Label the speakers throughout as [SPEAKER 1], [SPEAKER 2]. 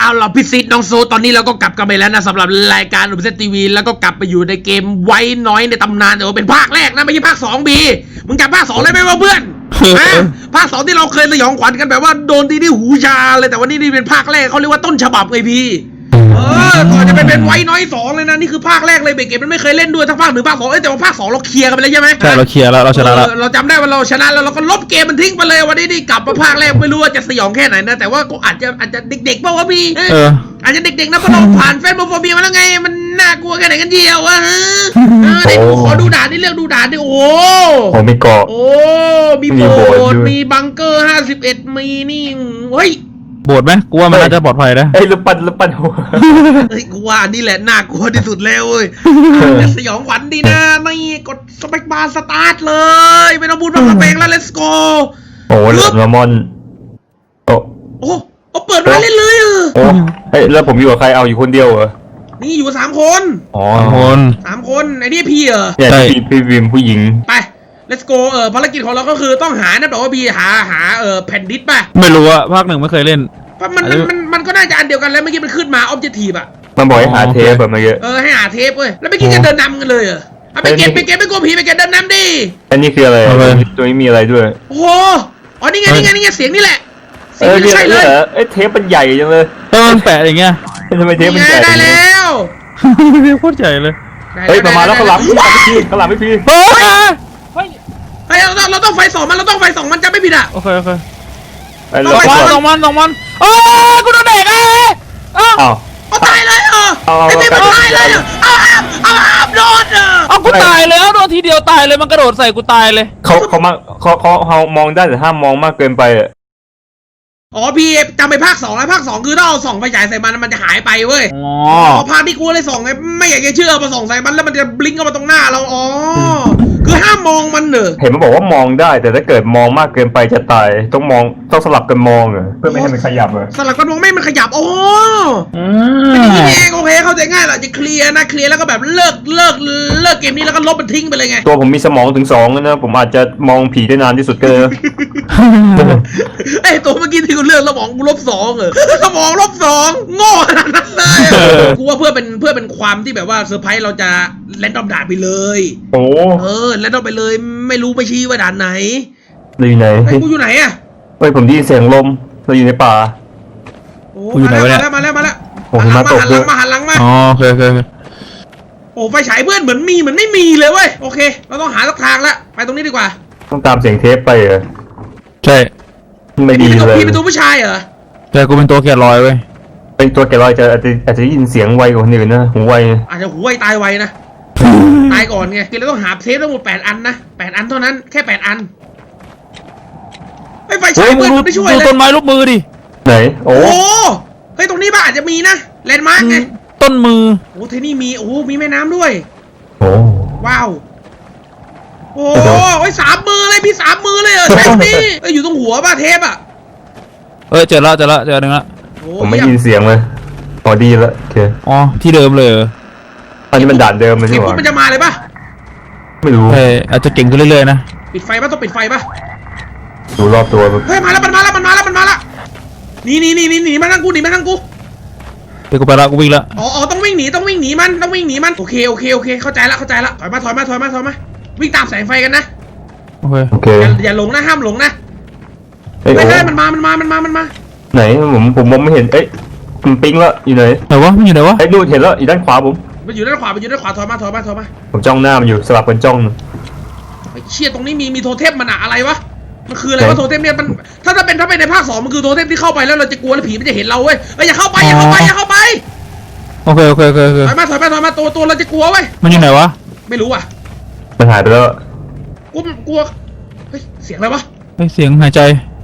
[SPEAKER 1] เอาล่ะพี่ซิดน้องโซตอนนี้เราก็กลับกันไปแล้วนะสำหรับรายการอุปเซตทีวีแล้วก็กลับไปอยู่ในเกมไว้น้อยในตำนานแต่ว่าเป็นภาคแรกนะไม่ใช่ภาค2บีมึงจำภาค2ได้ไหมวะเพื่อนภาค2ที่เราเคยสยองขวัญกันแบบว่าโดนตีที่หูชาเลยแต่วันนี้นี่เป็นภาคแรกเขาเรียกว่าต้นฉบับไงพี่ก่อนจะไปเป็นไว้น้อย2เลยนะนี่คือภาคแรกเลยเบเกตมันไม่เคยเล่นด้วยทั้งภาค1ภาค2แต่ว่าภาค2เราเคลียร์กันไปแล้วใช่ไหม
[SPEAKER 2] ใช่เราเคลียร์แล้วเราชนะแล้ว
[SPEAKER 1] เราจำได้ว่าเราชนะแล้วเราก็ลบเกมมันทิ้งไปเลยวันนี้นี่กลับมาภาคแรกไม่รู้ว่าจะสยองแค่ไหนนะแต่ว่าก็อาจจะเด็กๆป่าววะพี่อาจจะเด็กๆนะเพราะเราผ่านแฟนโมโฟเบียมาแล้วไงมันน่ากลัวแค่ไหนกันเดียววะเดี๋ยวขอดูด่านนี่เลือกดูด่านดิโอ้
[SPEAKER 3] มีเกาะ
[SPEAKER 1] มีโบสถ์มีบังเกอร์51มีนี่เฮ้ย
[SPEAKER 2] โบสถ์ไหมกูว่ามันน่าจะปลอดภัยนะ
[SPEAKER 3] ลูกปั้นหัว
[SPEAKER 1] เฮ้ยกูว่านี่แหละน่ากลัวที่สุดแล้วเว้ยสยองขวัญดีนะนี่กดสเปคบาร์สตาร์ทเลยไม่ต้องพูดมากระเบงแล้ว let's go
[SPEAKER 3] โอ้เรือมอนโ
[SPEAKER 1] อ้เปิดมาเล่นเลย
[SPEAKER 3] แล้วผมอยู่กับใครเอาอยู่คนเดียวเหรอ
[SPEAKER 1] นี่อยู่3 คน 3 คนไอ้นี่พี่
[SPEAKER 3] เนี่ยพี่วิมผู้หญิง
[SPEAKER 1] ไปlet's go ภารกิจของเราก็คือต้องหานะบอกว่าพี่หาแผ่นดิสป่ะ
[SPEAKER 2] ไม่รู้อะภาค1ไม่เคยเล่น
[SPEAKER 1] มันก็น่าจะอันเดียวกันแล้วเมื่อกี้มันขึ้นมา objective อะ
[SPEAKER 3] มันบอกให้หาเทปแบบเมื่อกี้
[SPEAKER 1] ให้หาเทปเว้ยแล้วเมื่อกี้จะเดินนำกันเลยไปเก็บไม่กลัวผีไปเก็บเดินนำดิ
[SPEAKER 3] อันนี้คืออะไรตัวนี้มีอะไรด้วย
[SPEAKER 1] โอ้โหนี่ไงเสียงนี่แหละ
[SPEAKER 3] เสียงใช่เลยเทปมันใหญ่จังเลย
[SPEAKER 2] มันแปะอย่างเงี้ย
[SPEAKER 3] ทำไมเทปมันใหญ่
[SPEAKER 1] ได้แล้ว
[SPEAKER 2] เทปโคตรใหญ่เลย
[SPEAKER 3] ประมาณแล้วข้างหลังไม่พี่
[SPEAKER 1] เฮ้ยเราต้องไฟส่องมันจะไม่ผิด
[SPEAKER 2] โอเค
[SPEAKER 1] ต้องมัน
[SPEAKER 2] กูโดนเด็ก
[SPEAKER 1] ตายเลยไอ้ที่มันตายเลยเอาโดน
[SPEAKER 2] กูตายแล้วโดนทีเดียวตายเลยมันกระโดดใส่กูตายเลย
[SPEAKER 3] เขามองได้แต่ห้ามมองมากเกินไป
[SPEAKER 1] พี่จำไปภาค2แล้วภาค2คือถ้าเอาส่องไฟฉายใส่มันจะหายไปเว้ยภาคที่กูเลยส่องไงไม่อยากจะเชื่อมาส่องใส่มันแล้วมันจะบลิงก์เข้ามาตรงหน้าเราคือห้ามมองมัน
[SPEAKER 3] เห็นมันบอกว่ามองได้แต่ถ้าเกิดมองมากเกินไปจะตายต้องสลับกันมองเพื่อไม่ให้มันขยับ
[SPEAKER 1] สลับกันมองไม่มันขยับนี่เองโอเคเข้าใจง่ายแหละจะเคลียร์แล้วก็แบบเลิกเกมนี้แล้วก็ลบมันทิ้งไปเลยไง
[SPEAKER 3] ตัวผมมีสมองถึง2นะผมอาจจะมองผีได้นานที่สุดก็เลย
[SPEAKER 1] ตัวเมื่อกี้ที่กูเลือกสมองกู-2สมอง-2โง่ขนาดนั้นเลยกูว่าเพื่อเป็นความที่แบบว่าเซอร์ไพรส์เราจะแรนดอมด่านไปเลยแรนดอมไปเลยไม่รู้ไม่ชี้ว่าด่านไหน
[SPEAKER 3] อยู่ไหน
[SPEAKER 1] กูอยู่ไหน
[SPEAKER 3] ผมได้ยินเสียงลมเราอยู่ในป่า
[SPEAKER 2] กูอยู่ไหนวะเนี่ย
[SPEAKER 1] มาแล้ว
[SPEAKER 3] มาตกเลย
[SPEAKER 1] หันหลังมา
[SPEAKER 2] โอเค
[SPEAKER 1] ไฟฉายเพื่อนเหมือนมีเหมือนไม่มีเลยเว้ยโอเคเราต้องหาสักทางละไปตรงนี้ดีกว่า
[SPEAKER 3] ต้องตามเสียงเทปไป
[SPEAKER 2] ใช่
[SPEAKER 3] ไม่ดีเลย
[SPEAKER 1] พี่เป็นตัวผู้ชาย
[SPEAKER 2] แต่กูเป็นตัวแกะรอยเว้ย
[SPEAKER 3] เป็นตัวแกะรอยอาจจะได้ยินเสียงไวกว่าคนอื่นนะหูไว
[SPEAKER 1] อาจจะหูไวตายไวนะตายก่อนไงคือเราต้องหาเทปทั้งหมด8 อันนะ8 อันเท่านั้นแค่8 อันไฟฉายเพื่อนไม่ช่วยเลย
[SPEAKER 2] ต้นไม้รูปมือดิ
[SPEAKER 3] ไหนโอ้
[SPEAKER 1] เฮ้ยตรงนี้บ้าอาจจะมีนะแลนด์มาร์กไง
[SPEAKER 2] ต้นมือ
[SPEAKER 1] ที่นี่มีแม่น้ำด้วยว้าว3 มือเลยพี่3 มือเลยเทปนี้อยู่ตรงหัวป่ะเทป
[SPEAKER 2] เจอแล้วเจอหนึ่งละ
[SPEAKER 3] ผมไม่ยินเสียงเลยดีแล้วโอเค
[SPEAKER 2] ที่เดิมเลย
[SPEAKER 3] อันนี้มันด่านเดิมเลยใช่ไหม
[SPEAKER 1] มันจะมาเลยป่ะ
[SPEAKER 3] ไม่รู้
[SPEAKER 2] อาจจะเก่งขึ้นเรื่อยๆนะ
[SPEAKER 1] ปิดไฟป่ะต้องปิดไฟป่ะ
[SPEAKER 3] ดูรอบตัว
[SPEAKER 1] เฮ้ยมาแล้วนี่มาทางกู
[SPEAKER 2] เดี๋ยวกูไปละกูวิ่งละ
[SPEAKER 1] ต้องวิ่งหนีมันโอเคเข้าใจละถอยมาวิ่งตามแสงไฟกันนะ
[SPEAKER 3] โอเค
[SPEAKER 1] อย่าหลงนะห้ามหลงนะไม่ใช่มันมา
[SPEAKER 3] ไหนผมมองไม่เห็นมันปิ๊งแล้วอยู่ไหน
[SPEAKER 2] มันอยู่ไหนวะ
[SPEAKER 3] นู่นเห็นแล้วอยู่ด้านขวา
[SPEAKER 1] มันอยู่ด้านขวาถอยมา
[SPEAKER 3] ผมจ้องหน้ามันอยู่สลับกันจ้อง
[SPEAKER 1] เชี่ยตรงนี้มีโทเทมมันอะไรวะมันคืออะไรวะโทเทมเนี่ยมันถ้าเป็นในภาค2มันคือโทเทมที่เข้าไปแล้วเราจะกลัวแล้วผีมันจะเห็นเราเว้ยอย่าเข้าไป
[SPEAKER 2] โอเค
[SPEAKER 1] ถอยมาตัวเราจะกลัวเว้ย
[SPEAKER 2] มันอยู่ไหนวะ
[SPEAKER 1] ไม่รู้อ่ะ
[SPEAKER 3] มันหายไปแล้ว
[SPEAKER 1] กลัวเฮ้ยเสียงอะไรวะ
[SPEAKER 2] เสียงหายใจ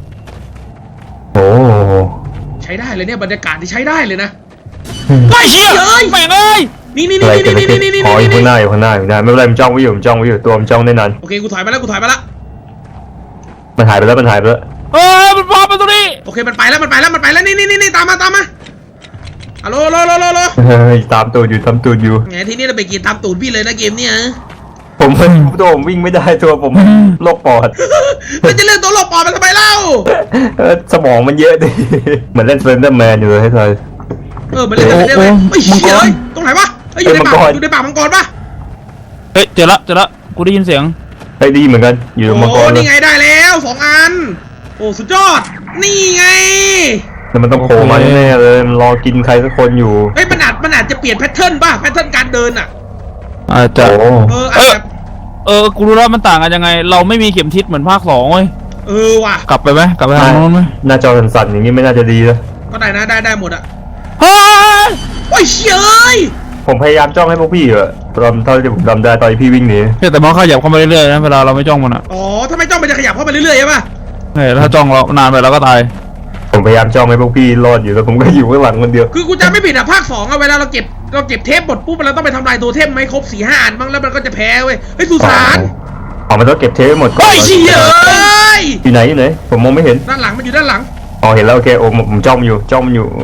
[SPEAKER 1] ใช้ได้เลยเนี่ยบรรยากาศที่ใช้ได้เลยนะ
[SPEAKER 2] เชี่ยแม่งเลย
[SPEAKER 1] นี่
[SPEAKER 3] อยู่ข้างหน้าไม่เป็นไรมันจ้องไว้อยู่ตัวมันจ้องได้นาน
[SPEAKER 1] โอเคกูถอยมาแล้ว
[SPEAKER 3] มันหายไปแล้ว
[SPEAKER 2] มันพาไปตรงนี้
[SPEAKER 1] โอเคมันไปแล้วนี่ตามมาฮัลโหล
[SPEAKER 3] ตามตูดอยู่
[SPEAKER 1] ไงที่นี่เราไปกินตามตูดพี่เลยนะเกมเนี่ย
[SPEAKER 3] ผมวิ่งไม่ได้ตัวผมโรคปอด
[SPEAKER 1] แล้วจะเลือกตัวโรคปอดมันทำไมเล่า
[SPEAKER 3] สมองมันเยอะดิเหมือนเล่นเซนเดอร์แมนอยู่เลยให้ทาย
[SPEAKER 1] มันเล่นกันได้ไหมไม่เชี่ยเลยตรงไหนวะอยู่ในป่ามังกรปะ
[SPEAKER 2] เฮ้ยเจอละกูได้ยินเสียง
[SPEAKER 3] ได้ดีเหมือนกันอยู่ในมังกร
[SPEAKER 1] นี่ไงได้แล้ว2 อันโอ้สุดยอดนี่ไง
[SPEAKER 3] แล้วมันต้องโผล่มาแน่เลยมันรอกินใครสักคนอยู่
[SPEAKER 1] มันอาจจะเปลี่ยนแพทเทิร์นป่ะแพทเทิร์นการเดินอ่ะ
[SPEAKER 2] อาจจะ
[SPEAKER 1] อาจจะ
[SPEAKER 2] กูรู้แล้วมันต่างกันยังไงเราไม่มีเข็มทิศเหมือนภาค2เว้ย
[SPEAKER 1] ว่ะ
[SPEAKER 2] กลับไปไหมกลับไปทางโน้นไหม
[SPEAKER 3] หน้าจอสั่นๆอย่างนี้ไม่น่าจะดีนะ
[SPEAKER 1] ก็ได้นะได้หมดอ่ะ
[SPEAKER 2] เฮ้ย
[SPEAKER 1] โอ้ยเชี่ยเอ้ย
[SPEAKER 3] ผมพยายามจ้องให้พวกพี่อะตอนเท่าที่ผมจำได้ตอนที่พี่วิ่งหนี
[SPEAKER 2] แต่มันขยับเข้ามาเรื่อยๆนะเวลาเราไม่จ้องมันอ่ะ
[SPEAKER 1] ถ้าไม่จ้องมันจะขยับเข้ามาเรื่อยๆใช่ป่ะ
[SPEAKER 2] ถ้าจ้องเรานานไปเราก็ตาย
[SPEAKER 3] ผมพยายามจ้องให้พวกพี่รอดอยู่แล้วผมก็อยู่ข้างหลังคนเดียว
[SPEAKER 1] คือกูจำไม่ผิดอ่ะภาค2อ่ะเวลาเราเก็บเทปหมดปุ๊บเราต้องไปทำลายตัวเทปไม่ครบ 4-5 อันบ้างแล้วมันก็จะแพ้เว้ยสุสาน
[SPEAKER 3] มันต้องเก็บเทปหมดก่อน
[SPEAKER 1] โอ้ยเชี่ยเอ้ย
[SPEAKER 3] อยู่ไหนผมมองไม่เห็น
[SPEAKER 1] ด้านหลังมันอยู่ด้านหลัง
[SPEAKER 3] เห็นแล้วโอเคโอ้ผมจ้องอยู่พอ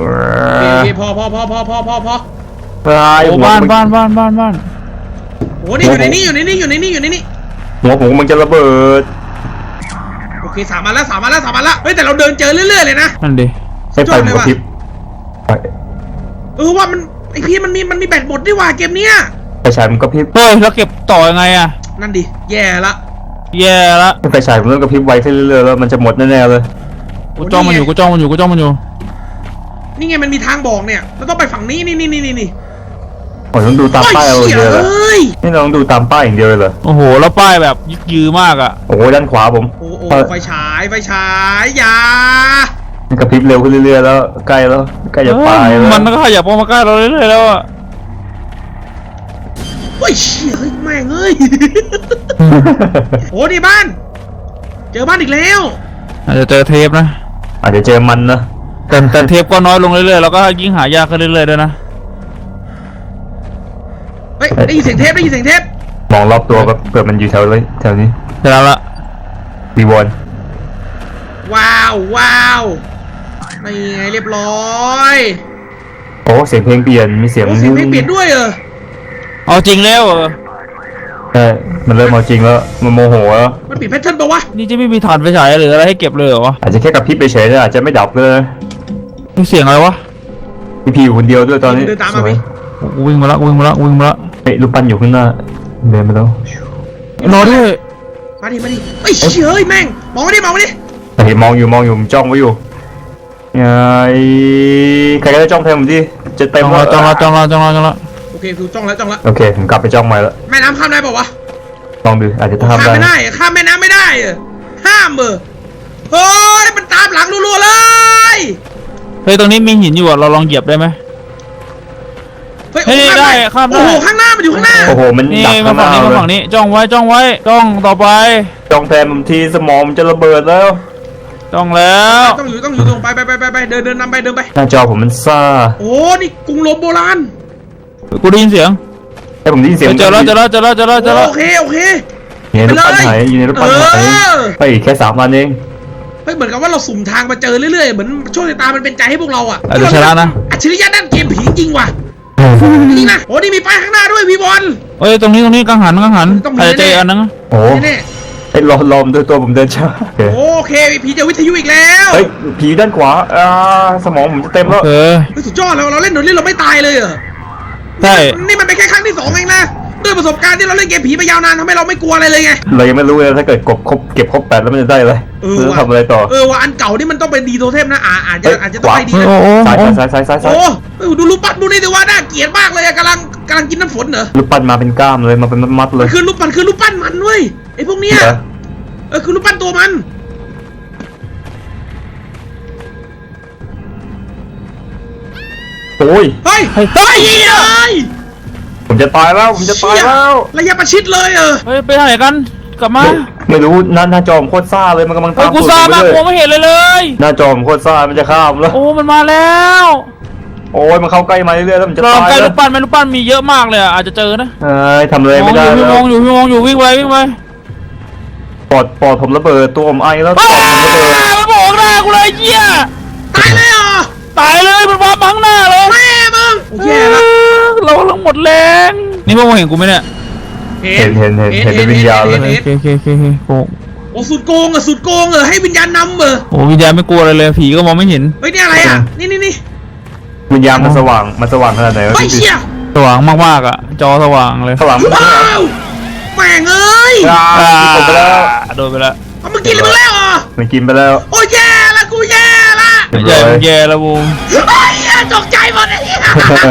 [SPEAKER 2] บ้าน
[SPEAKER 1] โอ้นี่อยู่ในนี้
[SPEAKER 3] หัวผมมันจะระเบิด
[SPEAKER 1] โอเค3 อันแล้วเฮ้ยแต่เราเดินเจอเรื่อยๆเลยนะ
[SPEAKER 2] นั่นดิ
[SPEAKER 3] ให้ไฟมันกระพริบ
[SPEAKER 1] ว่ามันไอพี่มันมีแบตหมดด้วยว่ะเกมเนี้ย
[SPEAKER 3] ไฟฉายมันกระพริบ
[SPEAKER 2] เฮ้ยแล้วเก็บต่อยังไงอะ
[SPEAKER 1] นั่นดิแย่ละ
[SPEAKER 3] ไฟฉายมันเริ่มกระพริบไวขึ้นเรื่อยๆแล้วมันจะหมดแน่ๆเลย
[SPEAKER 2] กูจ้องมันอยู่
[SPEAKER 1] นี่ไงมันมีทางบอกเนี่ยเราต้องไปฝั่งนี้นี่
[SPEAKER 3] ต้องดูตามป้ายเอาเดียวเลยนี่เราต้องดูตามป้ายอย่างเดียวเลยเหรอ
[SPEAKER 2] โอ้โหแล้วป้ายแบบยึกยือมากอะ
[SPEAKER 3] โอ้ด้านขวาผม
[SPEAKER 1] ไฟฉายอย่า
[SPEAKER 3] มันกระพริบเร็วขึ้นเรื่อยๆแล้วใกล้จะตายแล้ว
[SPEAKER 2] มันก็ขยับมาใกล้เราเรื่อยๆแล้วอะ
[SPEAKER 1] โอ้ยเชี่ยแม่งเอ้ยนี่บ้านเจอบ้านอีกแล้ว
[SPEAKER 2] อาจจะเจอเทปนะ
[SPEAKER 3] อาจจะเจอมันนะ
[SPEAKER 2] แต่เทปก็น้อยลงเรื่อยๆแล้วก็ยิ่งหายากขึ้นเรื่อยๆด้วยนะ
[SPEAKER 1] ได้ยินเสียงเทป
[SPEAKER 3] มองรอบตัวแบบเกิดมันอยู่แถวนี้
[SPEAKER 2] เสร็จแล้วละ
[SPEAKER 3] ดีวอน
[SPEAKER 1] ว้าวนี่ไงเรียบร้อย
[SPEAKER 3] เสียงเพลงเปลี่ยนมีเสียง
[SPEAKER 1] เพลงเปลี่ยนด้วย
[SPEAKER 2] เอาจริงแล้ว
[SPEAKER 3] มันเริ่มเอาจริงแล้วมันโมโหแล้ว
[SPEAKER 1] มันปิดแพทเทิร์นปะวะ
[SPEAKER 2] นี่จะไม่มีถ่านไฟฉายหรืออะไรให้เก็บเลยเหรอวะ
[SPEAKER 3] อาจจะแค่กับพี่ไปเฉยๆอาจจะไม่ดับเลย
[SPEAKER 2] มีเสียงอะไรวะ
[SPEAKER 3] พี่อยู่คนเดียวด้วยตอนนี้
[SPEAKER 1] เดินตามมาไหม
[SPEAKER 2] วิ่งมาละ
[SPEAKER 3] ลูกปั้นอยู่ข้างหน้าเดินไปแล้ว
[SPEAKER 2] รอด้วย
[SPEAKER 1] มาดิเชี่ยแม่งมองมาดิ
[SPEAKER 3] เห็นมองอยู่ผมจ้องไว้อยู่ไงใครก็ได้จ้องแทนผมดิจะเต็มแล้ว
[SPEAKER 2] จ้องละ
[SPEAKER 1] โอเคคือจ้องแล้ว
[SPEAKER 3] โอเคผมกลับไปจ้องใหม่แล้ว
[SPEAKER 1] แม่น้ำข้ามได้ป่าวะ
[SPEAKER 3] ลองดูอาจจะข้าม
[SPEAKER 1] ได้ข้ามแม่น้ำไม่ได้ห้ามเฮ้ยมันตามหลังรัวๆเลย
[SPEAKER 2] ตรงนี้มีหินอยู่อ่ะเราลองเหยียบได้ไหมได้ข้ามได้
[SPEAKER 1] ข้างหน้ามันอยู่ข้างหน้า
[SPEAKER 3] มันดัก
[SPEAKER 2] มาฝั่งนี้จ้องไว้จ้องต่อไป
[SPEAKER 3] จ้องแทนผมทีสมองมันจะระเบิดแล้ว
[SPEAKER 2] ต้องแล้ว
[SPEAKER 1] ต้องอยู่ตรงไปเดินนำไป
[SPEAKER 3] หน้าจอผมมันซ่า
[SPEAKER 1] นี่กรุงโรมโบราณ
[SPEAKER 2] กูได้ยินเสียง
[SPEAKER 3] ผมได้ยินเสียง
[SPEAKER 2] เจอแล้ว
[SPEAKER 1] โอเค
[SPEAKER 3] อยู่ในรถปั้นหายไปแค่3 วันเอง
[SPEAKER 1] เหมือนกับว่าเราสุ่มทางมาเจอเรื่อยๆเหมือนโชคชะตามันเป็นใจให้พวกเราอ่ะ
[SPEAKER 2] ชนะนะ
[SPEAKER 1] อัจฉริยะด้านเกมผีจริงว่ะนี่นะนี่มีป้ายข้างหน้าด้วยพี่บอล
[SPEAKER 2] ตรงนี้กังหันอาจจะเจออันนึง
[SPEAKER 3] ลมด้วยตัวผมเดินช้า
[SPEAKER 1] โอเคผีจะวิทยุอีกแล้ว
[SPEAKER 3] ผีด้านขวาสมองผมจะเต็มแล้ว
[SPEAKER 1] สุดยอดเราเล่นเราไม่ตายเลย
[SPEAKER 2] ใช่
[SPEAKER 1] นี่มันเป็นแค่ครั้งที่2เองนะด้วยประสบการณ์ที่เราเล่นเกมผีไปยาวนานทำให้เราไม่กลัวอะไรเลยไง
[SPEAKER 3] เรายังไม่รู้เลยถ้าเกิดเก็บครบ8แล้วมันจะได้อะไรทำอะไรต่อ
[SPEAKER 1] ว่าอันเก่านี่มันต้องเป็นดีโทเทมนะอาจจะต้องไปดี
[SPEAKER 3] ซ้าย
[SPEAKER 1] ดูรูปปั้นดูนี่ดิว่าน่าเกลียดมากเลยกำลังกินน้ำฝนเหรอ
[SPEAKER 3] รูปปั้นมาเป็นก้ามเลยมาเป็นมัดเลย
[SPEAKER 1] คือรูปปั้นมันเว้ยไอ้พวกเนี้ยคือรูปปั้นตัวมัน
[SPEAKER 3] เฮ้ยผมจะตายแล้ว
[SPEAKER 1] ระยะประชิดเลย
[SPEAKER 2] ไปไหนกันกลับมา
[SPEAKER 3] ไม่รู้หน้าจอมโคตรซ่าเลยมันกำลังตาม
[SPEAKER 2] กูซ่ามากกูไม่เห็นเลย
[SPEAKER 3] หน้าจอมโคตรซ่ามันจะข้ามแล้ว
[SPEAKER 2] มันมาแล้ว
[SPEAKER 3] มันเข้าใกล้มาเรื่อยๆแล้วมันจะตาย
[SPEAKER 2] ใกล้ลูกปั้นมีเยอะมากเลยอาจจะเจอนะ
[SPEAKER 3] ทำอะไรไม่ได้
[SPEAKER 2] แล้วมองอยู่วิ่งไป
[SPEAKER 3] ปอดผมระเบิดตัวผมไอแล้ว
[SPEAKER 2] มันบอกหน้ากูเลยเหี้ย
[SPEAKER 1] ตายเลย
[SPEAKER 2] ตายเลยมันวาบังหน้าเลย
[SPEAKER 1] แม่มึงแย่ละ
[SPEAKER 2] เราหมดแรงนี่พวกมึงเห็นกูไหมเนี่ย
[SPEAKER 3] เห็นเป็นวิญญาณเลย
[SPEAKER 2] โอ้
[SPEAKER 1] สุดโกงให้วิญญาณนำ
[SPEAKER 2] วิญญาณไม่กลัวอะไรเลยผีก็มองไม่เห็น
[SPEAKER 1] นี่อะไรนี่
[SPEAKER 3] วิญญาณมันสว่างขนาดไหนวะ
[SPEAKER 1] ไอ้
[SPEAKER 3] พี่
[SPEAKER 1] เชี่ย
[SPEAKER 2] สว่างมากๆอ่ะ จอสว่างเลย
[SPEAKER 3] สว่างมัน
[SPEAKER 1] ว้าวแม่งเอ้ย
[SPEAKER 3] ผมไปแล้ว
[SPEAKER 2] โดนไปแล้ว
[SPEAKER 1] เอามึงกินเลยมึงแล้วเหรอ
[SPEAKER 3] มันกินไปแล้ว
[SPEAKER 1] โอ้ยแย่ละกูแย่ละ
[SPEAKER 2] ใหญ่แย่แล้วบูม
[SPEAKER 1] ไอ้เหี้ยตกใจหมดไอ้เหี้ย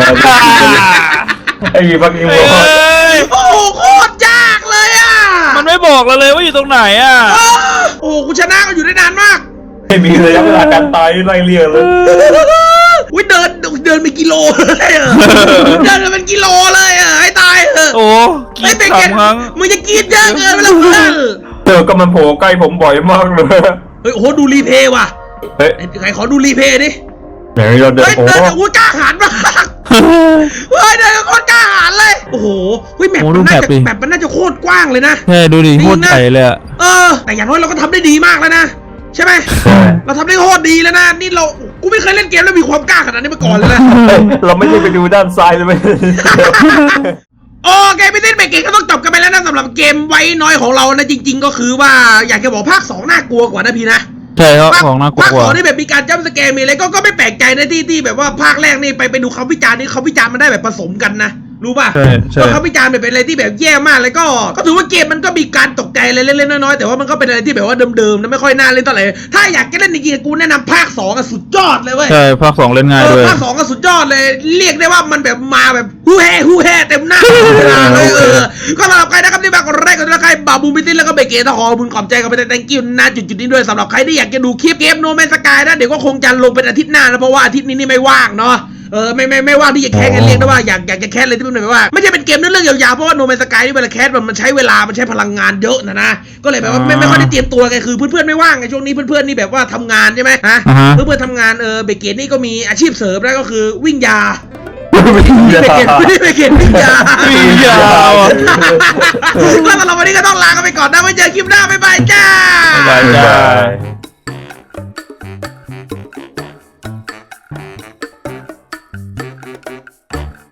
[SPEAKER 3] ไอ้ยีฟักกิ้ง
[SPEAKER 2] เอ้
[SPEAKER 3] วอล
[SPEAKER 2] ย
[SPEAKER 1] โอ้โหโคตรยากเลยอ่ะ
[SPEAKER 2] มันไม่บอกเราเลยว่าอยู่ตรงไหนอ่ะ
[SPEAKER 1] โอ้โหกูชนะก็อยู่ได้นานมาก
[SPEAKER 3] ไม่มีระยะเวลาการตายไล่เลี่ยเลย
[SPEAKER 1] อุ้ยเดินเป็นกิโลเลยอ่ะเดินเป็นกิโลเลยอ่ะให้ตายเถอะ
[SPEAKER 2] โอ้กิ
[SPEAKER 1] ไอ้
[SPEAKER 2] น
[SPEAKER 1] เบเกต
[SPEAKER 2] 3 ครั้ง
[SPEAKER 1] มึงจะกินเยอะเกินไปแล้วเพื่อน
[SPEAKER 3] ก็มันโผล่ใกล้ผมบ่อยมากเลย
[SPEAKER 1] เฮ้ยโอ้โหดูรีเพย์ว่ะ
[SPEAKER 3] เฮ้ย
[SPEAKER 1] ใครขอดูรีเพย์ดิ
[SPEAKER 3] ไหนเราเดิน
[SPEAKER 1] เฮ้ย
[SPEAKER 3] โอ้
[SPEAKER 1] เดินโอ้ยกล้าหาญมากเฮ้ยเดินโคตรกล้าหาญเลยโอ้โหเฮ้ยแมป
[SPEAKER 2] โอ้ดู
[SPEAKER 1] มันน่าจะ
[SPEAKER 2] แมปดิ
[SPEAKER 1] แมปมันน่าจะโคตรกว้างเลยนะ
[SPEAKER 2] ใช่ดูดิ
[SPEAKER 1] จริงนะ
[SPEAKER 2] โคตรใหญ่เลยอ่ะ
[SPEAKER 1] แต่อย่างน้อยเราก็ทำได้ดีมากแล้วนะใช่ไหมเราทำได้โคตรดีแล้วนะนี่กูไม่เคยเล่นเกมแล้วมีความกล้าขนาดนี้มาก่อนเลยนะ
[SPEAKER 3] เฮ้ยเราไม่ได้ไปดูด้านซ้ายเลยไหม
[SPEAKER 1] โอเคพี่ติ๊ดเบเกตก็ต้องจบกันไปแล้วนะสำหรับเกมไว้น้อยของเรานะจริง ๆ ก็คือว่าอยากจะบอกภาค 2 น่ากลัวกว่านะพี่นะ
[SPEAKER 2] ใช่ครับ
[SPEAKER 1] ภาค
[SPEAKER 2] ของน่ากลัว
[SPEAKER 1] ภาค
[SPEAKER 2] กว่า
[SPEAKER 1] 2นี่แบบมีการจัมป์สแกร์มีอะไรก็ไม่แปลกใจนะที่แบบว่าภาคแรกนี่ไปดูเขาวิจารณ์นี่เขาวิจารณ์มันได้แบบผสมกันนะรู้ป่ะ
[SPEAKER 2] ใช่ใช่
[SPEAKER 1] ก็เขาวิจารณ์แบบเป็นอะไรที่แบบแย่มากเลยก็ถือว่าเกมมันก็มีการตกใจอะไรเล็กๆน้อยๆแต่ว่ามันก็เป็นอะไรที่แบบว่าเดิมๆนะไม่ค่อยน่าเล่นเท่าไหร่ถ้าอยากจะเล่นจริงๆกูแนะนำภาค2อะสุดยอดเลยเว้ย
[SPEAKER 2] ใช่ภาค 2 เล่นง่ายด้วย
[SPEAKER 1] ภาค 2ก็สุดยอดเลยเรียกได้ว่ามันแบบมาแบบฮู้แฮ่เต็มหน้าเวลาเลยก็สำหรับใครนะครับที่มากดไลค์กดติดตามใครบาบูมิติแล้วก็เบเกตขอบุญขอบใจกันไปแต่ thank you นะจุดๆนี้ด้วยสำหรับใครที่อยากจะดูคลิปเกมโนแมนสกายนะเดี๋ยวก็คงจะลงเป็นอาทิตย์หน้านะเพราะว่าอาทิตย์นี้นี่ไม่ว่างเนาะไม่ว่างที่จะแคสกันเรียกได้ว่าอยากจะแคสเลยที่มันแบบว่าไม่ใช่เป็นเกมเรื่องยาวๆเพราะว่าโนแมนสกายนี่เวลาแคสมันใช้เวลามันใช้พลังงานเยอะนะก็เลยแบบว่าไม่ค่อยได้เตรียมตัวไงคือเพื่อนๆไม่ว่างไงช่วงนี้เพื่อนๆนี่แบบว่าทำงานใช่ไหมฮะ
[SPEAKER 2] อ่าฮะ
[SPEAKER 1] เพื่อนๆทำงานเบเกตนี่ก็มีอาชีพเสริมนะก็คือวิ่งยา
[SPEAKER 3] ไม่ได้
[SPEAKER 1] ไม่เกตวิ่งยา
[SPEAKER 2] วิ่งยาวอะ
[SPEAKER 1] ก็สำหรับวันนี้ก็ต้องลากันไปก่อนนะไว้เจอคลิปหน้าบ๊ายบายจ้า
[SPEAKER 2] บ๊ายบายจ้า
[SPEAKER 3] บ๊ายบาย